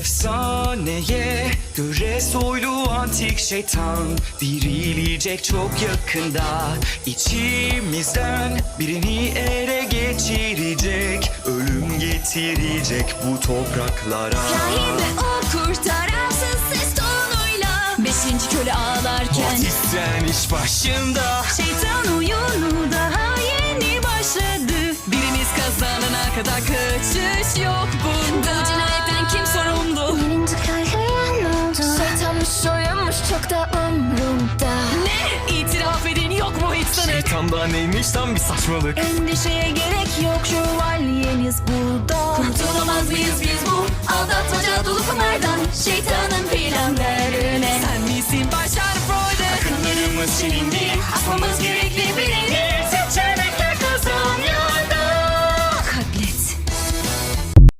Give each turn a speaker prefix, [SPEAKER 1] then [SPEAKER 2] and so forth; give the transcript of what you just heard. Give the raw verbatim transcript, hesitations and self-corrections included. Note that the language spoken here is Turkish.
[SPEAKER 1] Efsaneye göre soylu antik şeytan dirilecek çok yakında. İçimizden birini ele geçirecek, ölüm getirecek bu topraklara.
[SPEAKER 2] Rahibe o kurtaransız ses tonuyla beşinci köle ağlarken
[SPEAKER 1] Batisten iş başında.
[SPEAKER 2] şeytan oyunu daha yeni başladı. Birimiz kazanana kadar kaçış yok bunda. Bu cinayetten kim sorumlu?
[SPEAKER 3] Birinci kahraman oldu. Şeytanmış soyunmuş çok da umrumda.
[SPEAKER 2] Ne? İtiraf edin yok mu hiç sanık?
[SPEAKER 1] Şeytanda neymiş tam bir saçmalık.
[SPEAKER 2] Endişeye gerek yok, şövalyeniz burada. Kurtulamaz